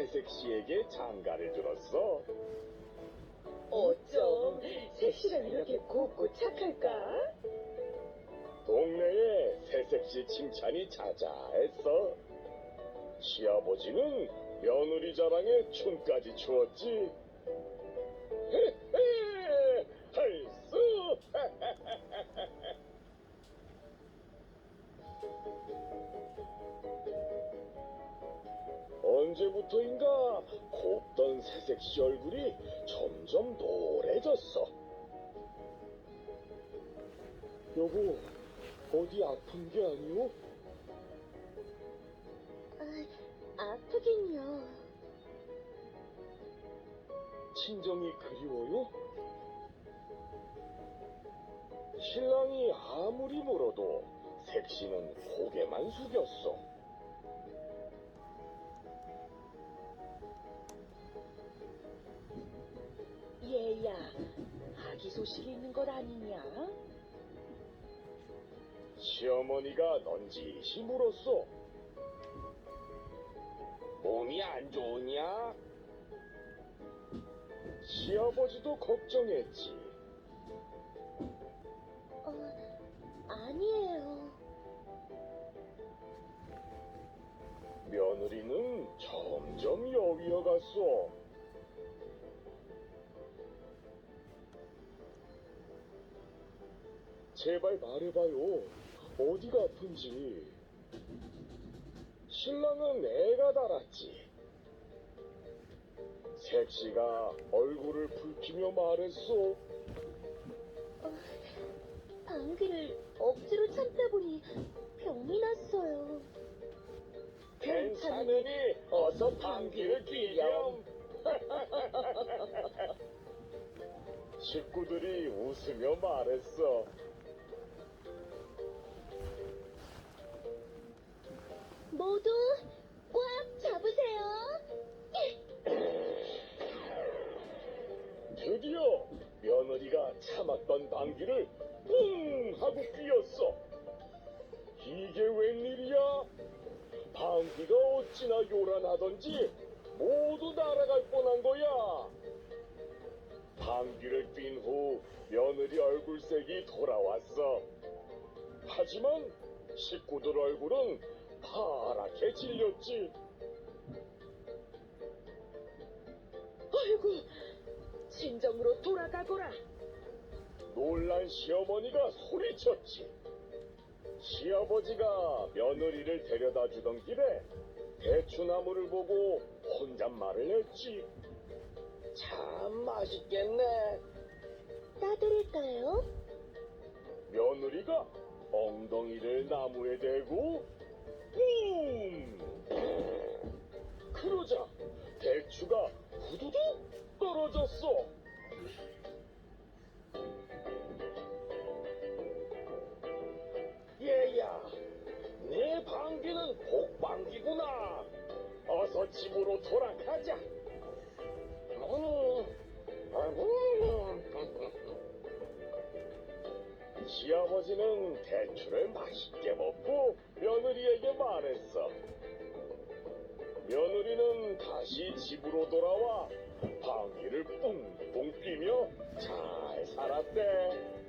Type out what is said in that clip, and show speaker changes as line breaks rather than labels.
새색 씨에게 장가를 들었어.
어쩜 새씨가 이렇게 곱고 착할까?
동네에 새색 씨 칭찬이 자자했어. 시아버지는 며느리 자랑에 춤까지 추었지. 헤헤, 할수! 언제부터인가 곱던 새색 씨 얼굴이 점점 노래졌어. 여보, 어디 아픈 게 아니오?
아프긴요.
친정이 그리워요? 신랑이 아무리 물어도 색시는 고개만 숙였어.
얘야, 아기 소식이 있는 것 아니냐?
시어머니가 넌지시 물었어. 몸이 안 좋으냐? 시아버지도 걱정했지.
아니에요.
며느리는 점점 여위어 갔어. 제발 말해봐요. 어디가 아픈지. 신랑은 애가 달았지. 색시가 얼굴을 붉히며 말했어.
방귀를 억지로 참다 보니 병이 났어요.
괜찮으니 어서 방귀를 뀌렴. 식구들이 웃으며 말했어.
모두 꽉 잡으세요.
드디어 며느리가 참았던 방귀를 뿡 하고 뀌었어. 이게 웬일이야? 방귀가 어찌나 요란하던지 모두 날아갈 뻔한 거야. 방귀를 뀐 후 며느리 얼굴색이 돌아왔어. 하지만 식구들 얼굴은 파랗게 질렸지.
아이고, 친정으로 돌아가거라.
놀란 시어머니가 소리쳤지. 시아버지가 며느리를 데려다 주던 길에 대추나무를 보고 혼잣말을 했지. 참 맛있겠네.
따드릴까요?
며느리가 엉덩이를 나무에 대고 뿜! 그러자 대추가 후두둑 떨어졌어. 얘야, 내 방귀는 복방귀구나. 어서 집으로 돌아가자. 시아버지는 대추를 맛있게 먹고 며느리에게 말했어. 며느리는 다시 집으로 돌아와 방귀를 뿡뿡 뀌며 잘 살았대.